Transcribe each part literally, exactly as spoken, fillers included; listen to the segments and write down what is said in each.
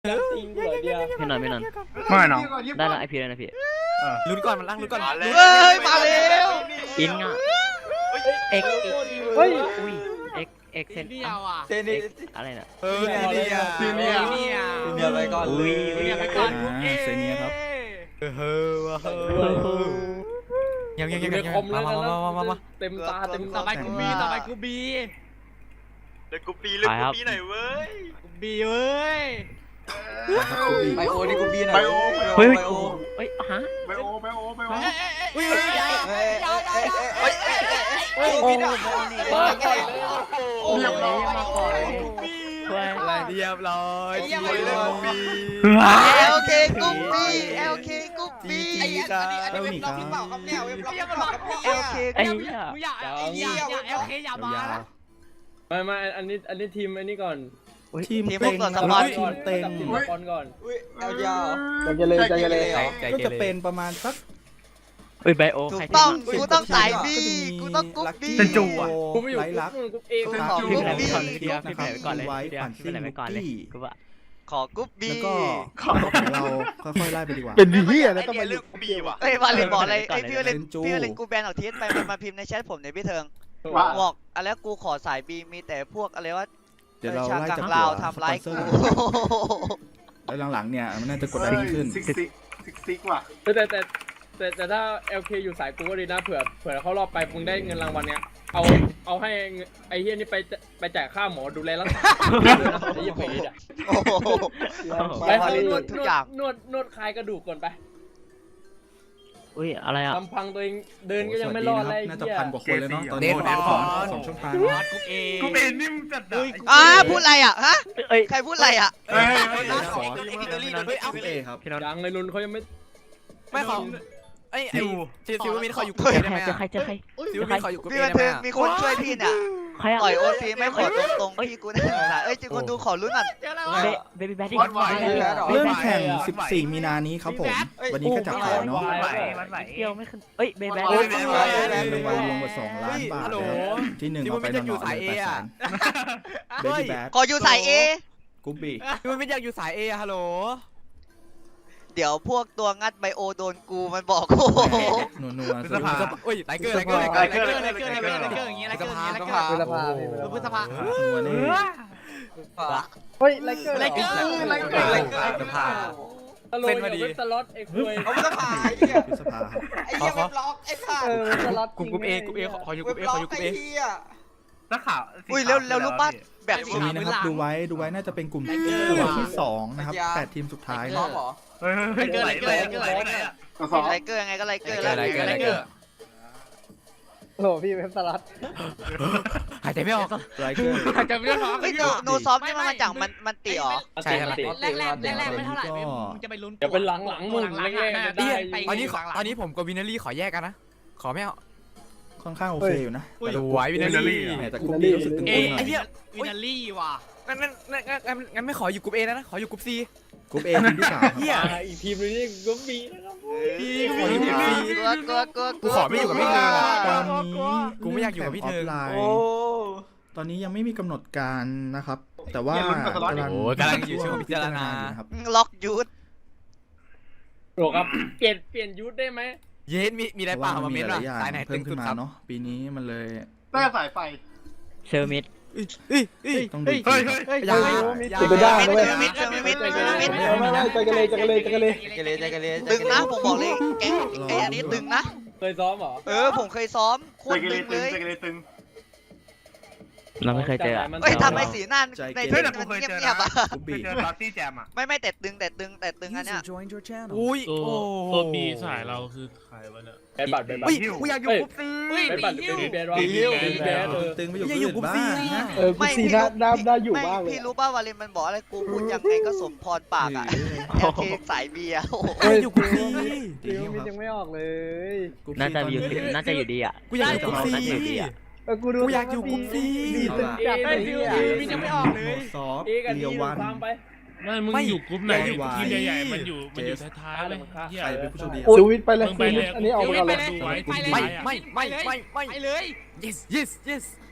จริงเหรอเดียวไม่นอนไม่นอนไม่น้องได้ละไอพีแล้วนะพี่ลุ้นก่อนมันล่างลุ้นก่อนเฮ้ยมาแล้วอินอ่ะเอ็กเฮ้ยอุ้ยเอ็กเอ็กเซนเดียวอ่ะเซนีอะไรน่ะเออเนี่ยเนี่ยซีเนียเนี่ยซีเนียไปก่อนเลยเดียวไปก่อนอ่าเซเนียครับเออเฮ้อเฮ้อยังยังยังในยังคอมมาแล้วมานะมามามาเต็มตาเต็มต่อไปกูบีต่อไปกูบีเลยกูปีเลยกูปีไหนเว้ยกูบีเว้ยไบโอนี่กูปีไหนไบโอเฮ้ยไบโอเฮ้ยฮะไบโอไบโอไบโอเฮ้ยเฮ้ยเฮ้ยเฮ้ยเฮ้ยกูปีไหนมาก่อนโอ้โหมาก่อนช่วยอะไรเรียบร้อยจีเลยกูปีเอลเคกูปีเอลเคกูปีจีครับเท่านี้ครับเอลเคไอ้กูเหี้ยกูอยากอยากอยากเอลเคอย่ามานะไม่ไม่อันนี้อันนี้ทีมอันนี้ก่อนทีมทีมพเต็วกงก่อนนะสคปอรันบทีมเต็งทีมบอลก่อนอุ้ยเอลยาวใจเลยใจเลยใจก็เกจะเรเป็นประมาณสักเฮ้ยไบโอถูใครกที่ต้องมากูต้องสายบีกูต้องกุ๊บบีเซนจูอ่ะกูไม่อยู่ไรลักกูเองกูขอพี่ไปไหนกุ๊บไปบีก่อนเลยพี่เดียวพี่ไปไหนไปก่อนเลยพี่เดียวพี่ไปไหนไปก่อนเลยกูว่าขอกุ๊บบีแล้วก็เราค่อยๆไล่ไปดีกว่าเป็นดีที่อะไรต้องมาเรื่องกุ๊บบีว่ะเอ้ยมาเลยบอกอะไรไอ้พี่เล่นพี่เล่นกูแบนออกทีสไปมาพิมพ์ในแชทผมในพี่เทิงบอกอะไรกูขอสายบีมีแต่พวกอะไรว่าเดี๋ยวเราชาไล่กัจากงลาวหัวทำร้ายสปกูอนเซอร์แล้วหลังๆเนี่ยมันน่าจะกดดันขึ้นซิกซิกซิกซิกว่ะแต่แต่แต่แต่ถ้า แอล เค อยู่สายกูก็ดีนะเผื่อเผื่อเขารอบไปมึงได้เงินรางวัลเนี้ยเอาเอาให้ไอ้เฮียนี่ไปไปจ่ายค่าหมอดูแลรักษาไอ้เฮียผีอ่ะโอ้โหไปไปนวดทุกอย่างนวดนวดคลายกระดูกก่อนไปอุ้ยอะไรอ่ะลำพังตัวเองเดินก็ยังไม่รอดเลยน่าจะเฮียพันกว่าคนเลยเนาะตอนนี้สองสองช่องทางกูเองกูเป็นนิ่มจัดอ่าพูดอะไรอ่ะฮะเอ้ยใครพูดอะไรอ่ะเฮ้ยขอพี่เอครับพี่น้องยังเลยลุนเขายังไม่ไม่ขอไอ้ไอ้ซิซิวมินขออยู่กูเจเออได้ใครไหมเจอใครเจอใครซิวมินขออยู่กูพี่เอบันได้ไหมเทิงมีคนช่วยพี่เนี่ยใครอ่ะต่อยโอซีไม่ขอตรงๆพี่กูน่าสงสารเอ้ยจริงคนดูขอลุ้นอ่ะเจอแล้วเบบี้แบดดี้วัดไหวเริ่มแข่งสิบสี่มีนานี้ครับผม วันนี้ก็จับข่าวเนาะวัดไหววัดไหวเที่ยวไม่ขึ้นเอ้ยเบบี้แบดรดี้างวัลรวมกว่าสองล้านบาทนะครับที่หนึ่งเอาไปนอนๆเลยแปดแสนเบบี้แบดขออยู่สายเอกุ๊บบี้ซิวมินอยากอยู่สายเอฮัลโหลเดี๋ยวพวกตัวงัดไบโอโดนกูมันบอกโอ้โหนัวนัวสภาโอ้ยไลเกอร์ไลเกอร์ไลเกอร์ไลเกอร์ไลเกอร์ไลเกอร์ไลเกอร์อย่างเงี้ยไลเกอร์อย่างเงี้ยไลเกอร์พฤษภาพฤษภานัวนี่เฮ้ยไลเกอร์ไลเกอร์ไลเกอร์ไลเกอร์สภาตลกอยู่เว็บสล็อตไอ้คุยเอาสภาไอ้เหี้ยพฤษภาครับไอ้เหี้ยไม่บล็อกไอ้สัสเออสล็อตกลุ่มกลุ่มเอกลุ่มเอขออยู่กไม่ลุ่มเอบ ขล็ออก อยู่กไอ้ลุ่มเอเหี้ยนักข่าวอุ้ยเร็วเร็วรู้ป่ะแบบตรงนี้นะครับดูไว้ดูไว้น่าจะเป็นกลุ่มที่สองนะครับแปดทีมสุดท้ายล็อกเหรอเฮ้ยเฮ้ยไหลไหลไหลไหลอ่ะไลเกอร์ยังไงก็ไลเกอร์ไลเกอร์ไลเกอร์โหพี่เว็บสล็อตหายใจไม่ออกไรเกอร์จะไม่ได้หรอเฮ้ยโนโนซอฟนี่มันมาจากมันมันตีเหรอใช่ครับแรกแรกแรกแรกไม่เท่าไหร่มึงจะไปลุ้นเดี๋ยวเป็นหลังหลังมึงแรกๆได้ตอนนี้ตอนนี้ผมกับวินารี่ขอแยกกันนะขอไม่เอาค่อนข้างโอเคอยู่นะสวยวินารี่แต่กุ๊บบี้รู้สึกตึงเอ้ยๆหน่ไอ้อยเหี้ยวินาลี่ว่ะงั้นงั้นงั้นงั้นงั้นไม่ขออยู่กลุ่มเอนะขออยู่กลุ่มซีกรุ๊ปเอทีมที่สามครับเหี้ยอีกทีมนึงนี่ก็มีนะครับพี่ขออยู่กลุ่มซีกลัวกลัวกลัวกูขอไม่อยู่กับพี่เธอตอนนี้กูไม่อยากอยู่กับพี่เธอแข่งฟไลน์โอ้ตอนนี้ยังไม่มีกำหนดการนะครับ แต่ว่ากำลังโอ้กำลังอยู่ช่วงพิจารณาอยู่นะครับล็อกยูทโหลครับเปลี่ยนเปลี่ยนยุทธได้ไหมเย็นมีมีอะไรเพเปล่าราะว่ามามันมีเม้นหว่าลายอย่างสายไหนเพิ่ตึมงขึ้สุนดมาครับเนาะปีนี้มันเลยได้สายไฟเชอร์มิดเฮ้ยเฮ้ยต้องดูเฮ้ยเฮ้ยเฮ้ยอย่าจะไปได้มิดนะเว้ยมิดมิดมิดมิดมิดไม่ไม่ไม่ใจกันเลยใจกันเลยใจกันเลยใจเลยใจกันเลยตึงนะผมบอกเลยแก๊งไอ้อันนี้ตึงนะเคยซ้อมเหรอเออผมเคยซ้อมโคใจตรกันตึเลยง เลยตึงใจกันเลยตึงเราไม่เคยเจออะเฮ้ยทำไมสีหน้าในเฮ้ที่ยแต่มันกูเคยเจอเงียนะบๆอ่ะกุ๊บเคบี้ยเจอตอนที่แจมอ่ะไม่ไม่แต่ตึงแต่ตึงแต่ตึงอันเนี้ยอุ้ยตัวโอ้ตัวบีสายเราคือใครวะเนี่ยแบดบัตรแบดบัตเฮ้ยรกูอยากอยู่กลุ่มซีเฮ้ยแบดบัตรเป็นแบดวะปีฮิ้วเป็นแบดเออตึงไปอยู่อย่าที่อยู่อื่นกรุ๊ปบ้างซีนะเออกูซีน่าน่าน่าอยู่ไม่มากเลยพี่รู้ป่าววาเลนมันบอกอะไรกูพูดยังไงก็สมพรปากอ่ะแอลเคสายเบียร์โอ้โหกูอยากอยู่กลุ่มซีฟิวมินยังไม่ออกเลยกุ๊บน่าซี่จะตอนอยู่นี้น่าจะอยู่ดีอ่ะกูอยากอยู่กลุ่มซีน่าจะอยู่ดีอ่ะเออกูดูกูอยากอยู่กลุ่มซีดีตึงจัดเลยฟิวอ่ะฟิวมินยังไม่ออกเลยซอฟเอกันเรีดียววันตามไปไม่มึงไม่อยู่กลุ่มไหนไม่ไหวทีมใหญ่ๆมันอยู่มันอยู่ท้ายๆเลยเหี้ยใครเป็นผู้โชคดีสวิตไปเลยมึงไปเลยอันนี้เอาไปก่อนเลยดูไว้ไปเลยไม่ไม่ไม่ไม่ไม่ไปเลย yes yes yes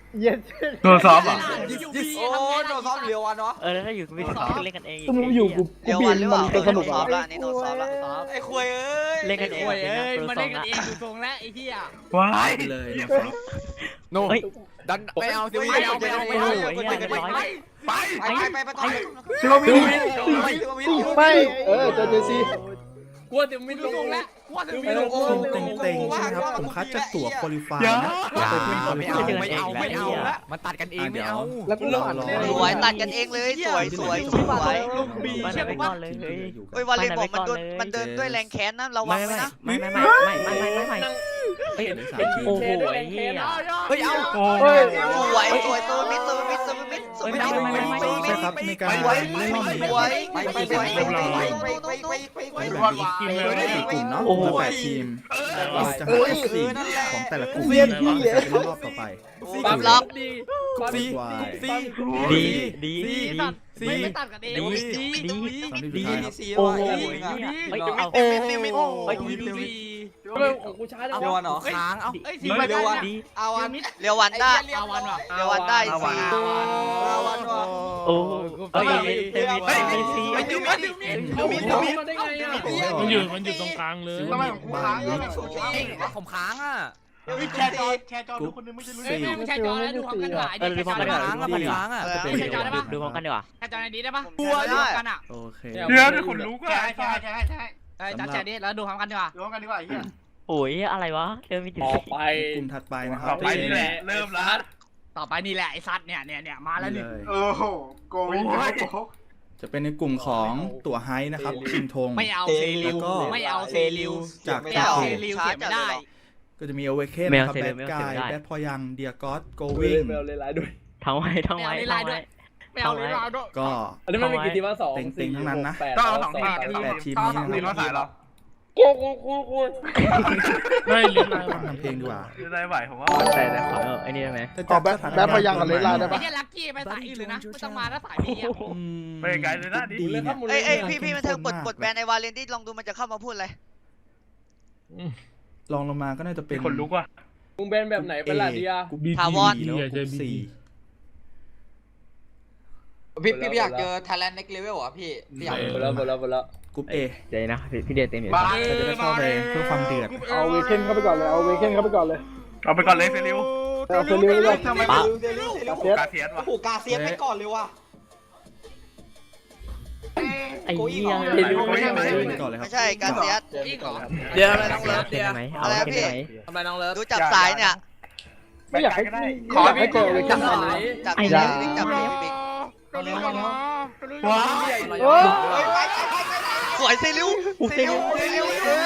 เย็นโดนซ้อมอ่ะโอ้โดนซ้อมเร็วอ่ะเนาะเออแล้วถ้าอยู่กับพี่ท็อปก็เล่นกันเองอีกมึงอยู่กูเดี๋ยววันหรือเปล่าจะสนุกเหรอนี่โดนซ้อมละไอ้ควยเอ้ยเล่นกันเองไอ้ควยเอ้ยเป็นมานัเล่กนกันโปรเองอยู่ตรงแล้วไอ้เหี้ยว้ายไปเลยนะครับโน่เฮ้ยดันไม่เอาสิไม่เอาไม่เอาไม่เอาโอ้โหไม่เอาเหี้ยไม่เรียบร้อยไปไปไปไปต่อซิโรมิวไม่เออเจอเจซีกลัวเดี๋ยวไม่ดูลตรงงแล้วแล้วว่าถึงไม่ลงทีมเต็งเต็งๆใช่ไหมครับ ผมคัดจากตั๋วคุริฟายนะไปเพื่อนคุริไม่ฟาเอายไม่เอาไม่เอาละมันตัดกันเองไม่เอาแล้วกูผ่านสวยตัดกันเองเลยสวยสวยสวยบีมาเชื่อไปผมก่ว่าอนเลยเฮ้ยเฮ้ยวาเลนบอกมันโดนมันเดินด้วยแรงแค้นนะระวัไม่งไว้ไม่นะไม่ไม่ไม่ไม่ไม่ไม่ไม่ไม่เฮ้ยโอ้โหไอ้เหี้ยเฮ้ยเอาโอ้เฮ้ยสวยสวยตัวมิดตัวมิดตัวมิดตัวมิดใช่ครับในการเล่นรอบนี้สวยไปไปไปไปไปไปแบบนี้กินเลยได้สี่กลุ่มเนาะโอ้โหแปดทีมเราจะหาสี่ของแต่ละกลุ่มมาจะเป็นรอบต่อไปปั๊มล็อกดีซีดีดีดีดีตัดไม่ไม่ตัดกันเองดีดีตอนที่สุดท้ายครับโอ้โหเฮ้ยเอาโอ้เฮ้ยดีดีทำไมของกูช้าจังเร็ววะวันเหรอค้างเอาเอ้ยสีดีเร็ววันดีเอาวันเรียววันได้เอาวันว่ะเรียววันได้สิเอาวันว่ะโอ้เฮ้ยเต็มเต็มซีไอ้เต็จิ้มมไอ้จิ้มเอามีดมาได้ไงอ่ะมันอยู่มันอยู่ตรงกลางเลยทำไมของกูค้างเนี่ยผมค้างอ่ะแชร์จอแชร์จอดูคนนึงไม่ใช่รู้เอ้ยไม่ใช่จอแล้วดูความเคลื่อนไหวเออดูพร้อมกันดีกว่าค้างอ่ะมันค้างอ่ะจะเป็นดูดูพร้อมกันดีกว่าแค่จอในนี้ได้ปะบัวดูได้กันอ่ะโอเคเดี๋ยวนี่ขนลุกอ่ะใช่ใช่ใช่ไอ้จอแชร์นี้แล้วดูพร้อมกันดีกว่าดูกันดีกว่าไอ้เหี้ยโอ้ยอะไรวะเจอมีถึงต่อไปกลุ่มถัดไปนะครัต่บอไปนี่แหละเริ่มแล้วต่อไปนี่แหละไอ้ซัดเนี่ยเนี่ยเนี่ยมาแล้วนี่นี่เลยโอ้โหโกงโกงจะเป็นในกลุ่มของตั๋วไฮนะครับชิงธงไม่เอาเซริวไม่เอาเซริวจากไม่ตาเอาเกเซริวเสียไม่ได้ก็จะมีเอเวเคนนะครับแบดกายแบดพอยังเดียกอสโกวิงไม่เอาเลยไลน์ด้วยทั้งไว้ทั้งไม่ไว้เอาในไลทั้งน์ด้วไว้ยไม่เอาในไลน์ด้วยก็อันนี้มันมีกี่ทีมวะสองเต็งๆทั้งนั้นนะแปดก็เอาสองทีมแปดทีมก็นี้สองทีมนะมาคสารับยหรอกูกูกูกูไม่ลิ้นลายฟังทำเพลงดีกว่าได้ไหวผมว่าใช่เลยขอเออไอ้นี่ได้ไหมจะจับสถานการณ์แบดพอยังกับเลนไลน์ได้ไอ้เนี่ยลักกี้ไปสายอื่นเลยนะไม่ต้องมาแล้วสายบีอ่ะอืมไปไกลเลยนะดิดีเนี่ยเอ้ยเอ้ยพี่พี่มันเทิงปลดปลดแบนในวาเลนที่ลองดูมันจะเข้ามาพูดอะไรลองลงมาก็น่าจะเป็นคนลุกว่ะมึงแบนแบบไหนเป็นล่ะเดียกลุ่มบีถาวรแล้วกลุ่มสี่พี่พี่อยากเจอ Thailand Next Level อ่ะพี่พี่อยากหมดแล้วหมดแล้วหมดแล้วกลุ่มเอเดี๋ยวนะพี่เดชเต็มอยู่บ้าเราจะได้เข้าไปเพื่อความเดือดเอาเวเคนเข้าไปก่อนเลยเอาเวเคนเข้าไปก่อนเลยเอาไปก่อนเลยเฟลิวเอาเฟลิวเลยทำไมปั๊บกาเซียสวะผูกกาเซียสไปก่อนเลยว่ะไอ้เหี้ยเริ่มก่อนเลยครับไม่ใช่การเสียดอีกเหรอเดี๋ยวอะไรน้องเลิฟเดี๋ยวไหมเอาแค่ไหนทำไรน้องเลิฟดูจับสายเนี่ยไม่อยากให้ได้ขอให้เจอเวเคนไหนจับไอ้เสียเหี้ดยจับเสียดบิ๊กว้าวโอ้สวยเซริวเซริวเซริว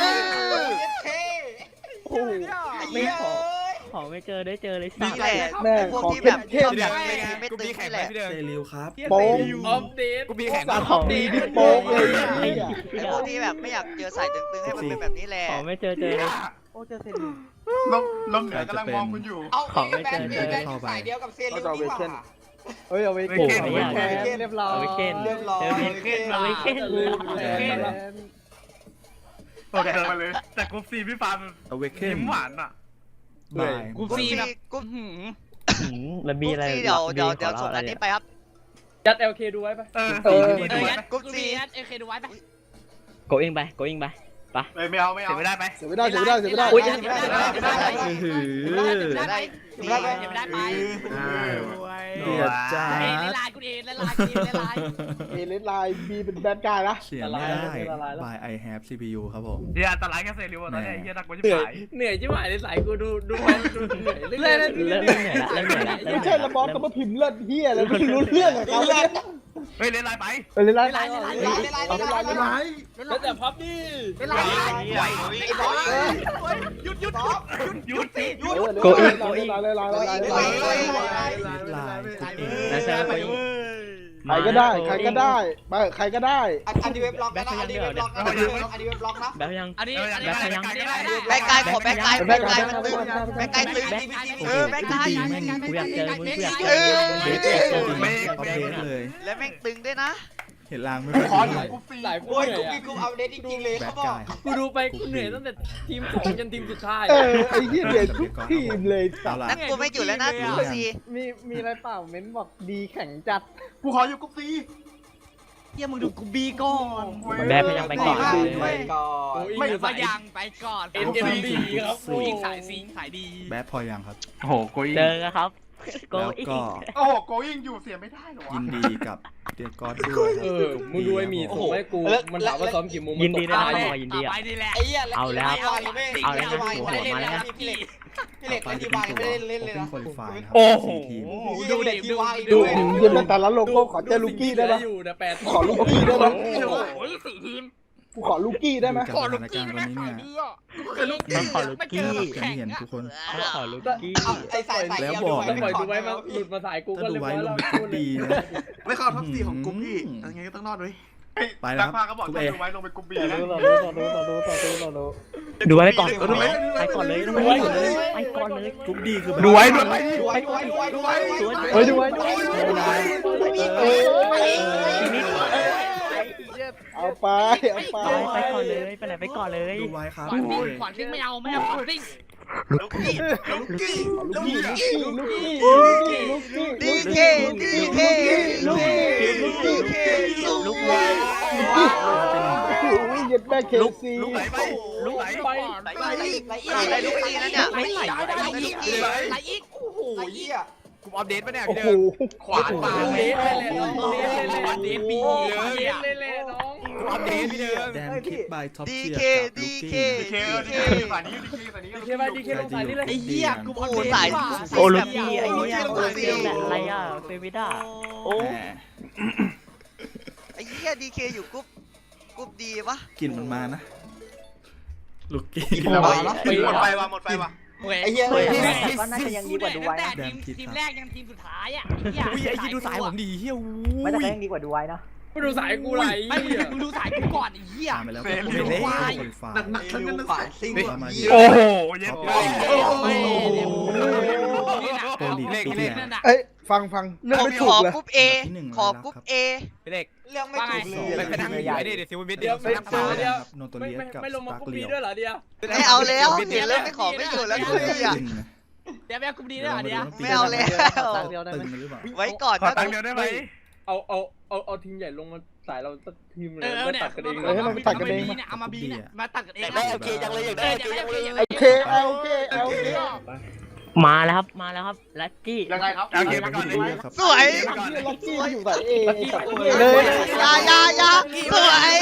โอ้ไม่ขอขอไม่เจอได้เจอเลยสินี่แหละแม่พวกขอที่เข้แบมบเข้ชมอบอยากเป็นทีมไม่กูตึมีงแข่งนี่ไหแหมละพี่เดินเซริวครับโป๊กออฟเดตกูมีแข่งสามดีที่โป๊กเลยไอ้ไอ้พวกที่แบบไม่อยากเจอสายตึงๆให้มันเป็นแบบนี้แหละขอไม่เจอเจอเลยลมลมเหนือกำลังมองคุณอยู่เอาของไม่เจอแบนแบนสายเดียวกับเซริวดีกว่าเฮ้ยเอาเวเวเคนเคนเวเคนเรียบร้อยเอาไปเก้นเรียบร้อยเจอมีเอาไปเก้นโอเคมาเลยแต่กรุ๊ปซีพี่ฟาร์มเอาเวเคนยิ้มหวานอ่ะบายกูกรุ๊ปซีซีแบบกรุ๊ปหืมแล้วกมีรุ๊ปอะไรซีเดี๋ยวเดี๋ยวเดี๋ยวส่งอันนี้ไปครับยัด แอล เค ดูไว้ปะเออเออดีเอด้อวยงั้นกูซีเอเคดูไว้ปะโกอิงไปโกอิงไปเลยไม่เอาไม่เอาเสียไม่ได้ไหมเสียไม่ได้เสียไม่ได้เสียไม่ได้อุ๊ยไม่ได้ไม่ได้หือไม่ได้ไม่ได้ไม่ได้ไปเดือดจ้าเอเลไลน์กูเอเลไลน์กูเอเลไลน์เอเลนไลน์บีเป็นแบดกายนะเสียไม่ได้ by I have ซี พี ยู ครับผมเฮียอันตรายแค่เซริวตอนนี้เฮียนักกูจะเหนื่อยขายเหนื่อยจิ๋วหายในสายกูดูดูดูเหนื่อยเริ่มเริ่มเหนื่อยละเริ่มเหนื่อยละเริ่มไม่เหนื่ใช่อยระบอบกับมาพิมพ์เลือดเฮียแล้วไม่รู้เรื่องกับเขาเลยเฮ้ยเล่นไรไปเอเลนไลเลน์ไลน์เลไลน์เลไลน์เลไลน์เลไลน์แล้วแต่พับดิเลไลน์ไอ้บอสหยุดหยุดหยุดหยุดโกอิงโกโกอิอิงงเลยไลน์เลยไลน์เลยไลน์เลยลายกลุ่มเอนะใช่โกอิงใครก็ได้ใครก็ได้ไปใครก็ได้อันนี้เว็บล็อกนะอันนี้เว็บล็อกนะอันนี้เว็บล็อกนะแบบยังอันนี้อันนี้แบกกายขอแบกกายแบกกายมันตึงแบกกายตึงเออแบกกายกูอยากเจอมึงกูอยากเจเอออมึงกูอยากเจอมึงไม่เอาเพลงเลยแล้วแม่งตึงด้วยนะเห็นลางไม่ขค่ออยอยู่ดีกรุ๊ปซีสายกูโอ้ยเหนื่กูอยกินอะกูอัปเดตจริงๆเลยแบเขาดบอกกายครับกูดูไปกูเหนื่อยตั้งแต่ทีมสองจนทีมสุดท้ายเออไอ้เหี้ยเดือดทุกทีมเลยเอาล่ะนั่นกูไม่อยู่แล้วนะกูซีมีมีอะไรเปล่าเม้นบอกดีแข็งจัดกูขออยู่กรุ๊ปซีเฮียมึงดูกูบีก่อนแบดพยายามไปก่อนไปก่อนไม่ไม่สาสาย ยยังไปก่อนเอ็นเอ็มดีครับผู้หญิงสายซิงสายดีแบดพอยังครับโอ้โหโกยิงเจอครับโกแล้วอีกก็โอ้โหโกยิงอยู่เสียไม่ได้หรอยินดีกับเดียกอดด้วยเออมึงดูไอ้หมีส่งให้กูมันถามว่าซ้อมกี่โมงยินดีด้วยมันะตกหมอยินดีต่ออ่ะไปนี่แหละไอ้เหี้ยเอาแล้วเอาแล้วเอาแล้วไม่ได้เล่นเลยพี่เล็กพี่เล็กไปเล่นจะที่เป็วาน งตัวไม่ได้เล่นเลยเป็นนะคนไฟนะครับโอ้โหสี่ทีมดูดิดูดูดูเยี่ยมแต่ละโลโก้ขอเจอลูกี้ได้ปะอยู่นะแปดขอลูกี้ได้ปะโอ้ยสี่ทีมกูขอลูกี้ได้ไหมดูจากสถานการณ์วันนี้เนี่ยต้องขอลูกกี้อย่างที่เห็นทุกคนต้องขอลูกกี้เอาไอ้สายสายแล้วบอกแล้วปล่อยดูไว้มาหลุดมาสายกูก็ถ้าดูเรียบไว้ร้อยลแล้งวไปทุกดีนะไม่เข้าท็อปซีของกรุ๊ปพี่ยังไงก็ต้องรอดด้วยไปแล้วนักครับพาก็บอกกรุ๊ปถ้าเอดูไว้ลงไปกรุ๊ปบีต่อนะดูต่อดูต่อดูต่อดูต่อดูต่อดูดูไว้ไปก่อนดูไว้ไปก่อนเลยดูไว้ก่อนเลยไปก่อนเลยกรุ๊ปดีคือดูไว้ดูไว้ดูไว้ดูไว้ดูไว้ดูไว้สวยเฮ้ยดูไว้ดูไว้เออเอาไปเอาไปไปไปก่อนเลยไปไหนไปก่อนเลยดูไว้ครับขวานซิงขวานซิงไม่เอาไม่เอาขวานซิงลูกกี้ลูกกี้ลูกี้ลูกี้ลูกี้ลูกี้ลูกี้ดีเคดีเคลูกี้ลูกี้ลูกโอ้ยยัดแม่เคซีลูกไหลไปลูกไหลไปไหลอีกไหลอีกอะไรลูกซีนั่นเนี่ยไม่ไหลไหลอีกไหลอีกโอ้โหเหี้ยกูอัปเดตปะเนี่ยโอ้พี่โหเดิมขวานปาเละเลยน้องเละเลยอัปเดตปีโอ้เลยเละเลยเละน้องกูอัปเดตพี่เดิมแดนคิดบายท็อปดีเชียเคร์กับดีลูกี้เคดีเคดีเคสายนี้ดีเคสายนี้ดีเคไปดีเคลงสายนี่เลยไอ้เหี้ยกูอัปโอ้เดตสายโอ้ลูกกี้ไอ้เนี่ยโอ้เฟลแบบอะไรอ่ะเฟลไม่ได้โอ้แหมไอ้เหี้ยดีเคอยู่กรุ๊ปกรุ๊ปดีปะกลิ่นมันมานะ ลูกกี้หมดไปว่ะหมดไปว่ะไอ้เหี้ยก็น่าจะยังดีกว่าดูไว้นะทีมแรกยังทีมสุดท้ายอ่ะอุ้ยไอ้ที่ดูสายผมดีเฮียไม่แต่ก็ยังดีกว่าดูไว้นะไปดูสายกูไหลไม่มึงดูสายกูก่อนไอ้เหี้ยตามไปแล้วก็เป็นเล่คนไฟหนักหนักทั้งนั้นฝ่ายซิงมาโอ้โหเย็นโปรลีกตัวเนี่ยเอ้ยฟังฟังเรื่องผมไม่ขถูอกเลยกรุ๊ปเอขอกรุ๊ปเอพี่เล็กเรื่องไม่ว่าไงถูกเลยไปนั่งอยู่ไอ้นี่เดี๋ยวซิวมิดเดี๋ยวเดี๋ยวเดี๋ยวเดี๋ยวโนโตไม่เลียไม่กับไม่ลงสมาตาร์คุกกเลีบียด้วยเหรอเดียวไม่เอาแล้วเห็นแล้วไม่ขอไม่อยู่แล้วกูอ่ะเดี๋ยวแม่กูดีด้วยเหรอเดี๋ยวไม่เอาแล้วตึงหรือเปล่าไว้ก่อนขอนะตังค์เดียวได้ไหมเอาเอาเอาเอาทีมใหญ่ลงมาสายเราสักทีมเลยเออไม่เนี่ยตัดกันเองเออให้มันไปตัดกันเองเนี่ยเอามาบีเนี่ยมาตัดกันเองได้โอเคจังเลยอยากได้โอเคโอเคโอเคเอาโอเคเอาโอเคมาแล้วครับมาแล้วครับลักกี้ยังไงครับโอเคไปก่อนเลยครับสวยลักกี้อยู่สายเอเลย ยายายาสวย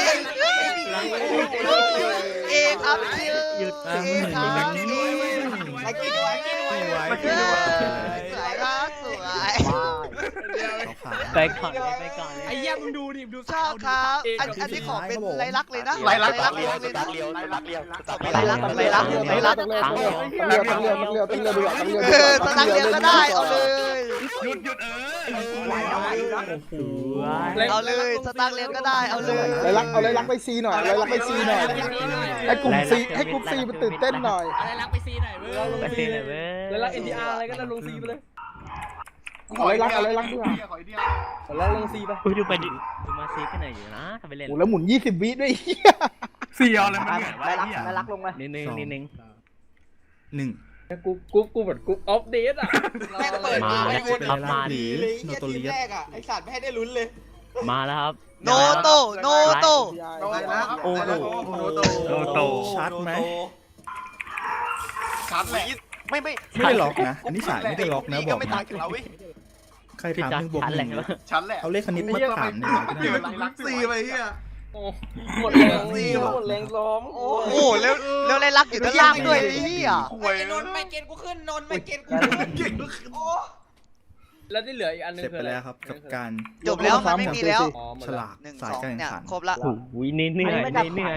เอครับคิวหยุดเอครับไอ้กินด้วยกินด้วยสวยครับสวยเขาขาไปก่อนเลยไปก่อนเลยไอ้เหี้ยมึงดูดิดูชอบครับอันอันนี้ขอเป็นไรลักเลยนะไรลักไรลักเรียวเลยนะเรียวไรลักเรียวไรลักไรลักไรลักต้องเรือต้องเรือต้องเรือต้องเรือต้องเรือดูต้องเรือเออสตังเดียวก็ได้เอาเลยหยุดหยุดเออสวยเอาเลยสตังเรียนก็ได้เอาเลยไรลักเอาไรลักไปซีหน่อยไรลักไปซีหน่อยให้กลุ่มซีให้กลุ่มซีมันตื่นเต้นหน่อยอะไรรักไปซีหน่อยเว้ยไปเทเลยเว้ยแล้วเอ็นดีอาร์อะไรก็ได้ลงซีไปเลยขอไอเดียขอไอเดียแล้วลงซีไปอุ้ยดูไปดิดูมาซีกันหน่อยอยู่นะทำไปเล่นโอ้แล้วหมุนยี่สิบวิด้วยเสียวอะไรมันเนี่ยไรลักไรลักลงมานิดนึงนิดนึงหนึ่งกูกูกูแบบกูออฟเดตอ่ะแม่งเปิดมามาแล้ไอ้วคนครับมาหรือเลยโนเหี้ยโตทีมเลียแรกอ่ะไอ้สัตว์ไม่ให้ได้ลุ้นเลยมาแล้วครับโนโตโนโตโดนนะโอ้โหโนโตโนโตชัดไหมชัดแหละไม่ไม่ไม่ได้ล็อกนะ อันนี้ฉายไม่ได้ล็อกนะบอกไม่นะต่างจากเราเว้ยใครพี่ถามจัหนึ่งบวกชันหแหละนึ่งชัดแหละเอาเลขคณิตมาถามหนึ่งก็เดี๋ยวได้มันลักซีไปเฮียโอ้หมดแรงหมดแรงโอ้โหแล้วแล้วไรลักอยู่ด้านล่างด้วยไอ้เหี้ยหวยไอ้นนท์ไม่เกณฑ์กูขึ้นนนท์ไม่เกณฑ์กูขึ้นเก่งโอ้แล้วที่เหลืออีกอันนึงเสร็จไปแล้วครับกับการจบแล้วมันไม่มีแล้วอ๋อหมดฉแล้วลากหนึ่งสาสยองการแข่งเนี่ยขันครบละโอ้โหเหนื่อยเหนื่อยเหนื่อย